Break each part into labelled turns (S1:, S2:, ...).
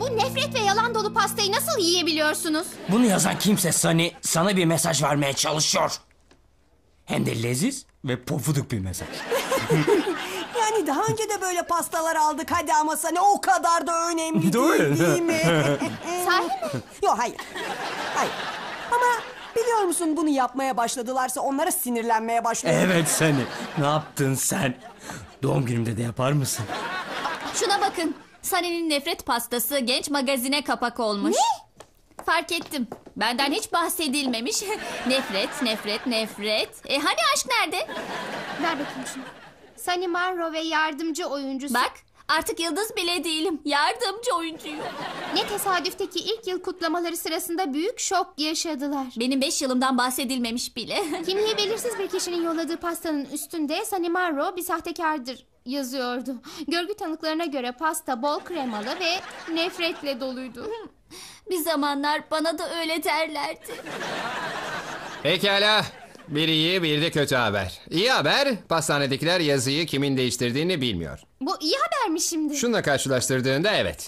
S1: Bu nefret ve yalan dolu pastayı nasıl yiyebiliyorsunuz?
S2: Bunu yazan kimse Sunny sana bir mesaj vermeye çalışıyor. Hem de leziz ve pofuduk bir mesaj.
S3: Yani daha önce de böyle pastalar aldık hadi ama sana o kadar da önemli değil mi?
S1: Sahi mi?
S3: Yok hayır. Hayır. Ama biliyor musun bunu yapmaya başladılarsa onlara sinirlenmeye başlıyorum.
S2: Evet Sunny. Ne yaptın sen? Doğum günümde de yapar mısın?
S4: Şuna bakın. Sunny'nin nefret pastası genç magazine kapak olmuş.
S1: Ne?
S4: Fark ettim. Benden hiç bahsedilmemiş. Nefret, nefret, nefret. Hani aşk nerede?
S1: Ver bakayım şunu. Sunny Monroe ve yardımcı oyuncusu.
S4: Bak, artık yıldız bile değilim. Yardımcı oyuncuyum.
S1: Ne tesadüfteki ilk yıl kutlamaları sırasında büyük şok yaşadılar.
S4: Benim 5 yılımdan bahsedilmemiş bile.
S1: Kimliği belirsiz bir kişinin yolladığı pastanın üstünde Sunny Monroe bir sahtekardır yazıyordu. Görgü tanıklarına göre pasta bol kremalı ve nefretle doluydu.
S4: Bir zamanlar bana da öyle derlerdi.
S5: Pekala. Bir iyi bir de kötü haber. İyi haber, pastanedekiler yazıyı kimin değiştirdiğini bilmiyor.
S1: Bu iyi haber mi şimdi?
S5: Şununla karşılaştırdığında evet.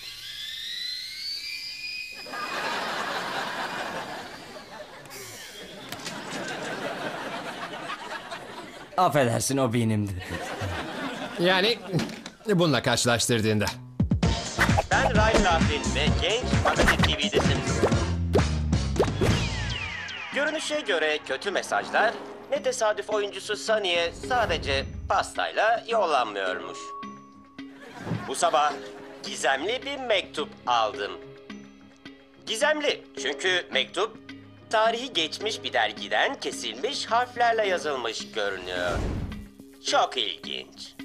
S2: Affedersin o benimdi.
S5: Yani bununla karşılaştırdığında.
S6: Ben Ryan Laughlin ve Genç Magazin TV'desiniz. Görünüşe göre kötü mesajlar ne tesadüf oyuncusu Sunny'e sadece pastayla yollanmıyormuş. Bu sabah gizemli bir mektup aldım. Gizemli çünkü mektup tarihi geçmiş bir dergiden kesilmiş harflerle yazılmış görünüyor. Çok ilginç.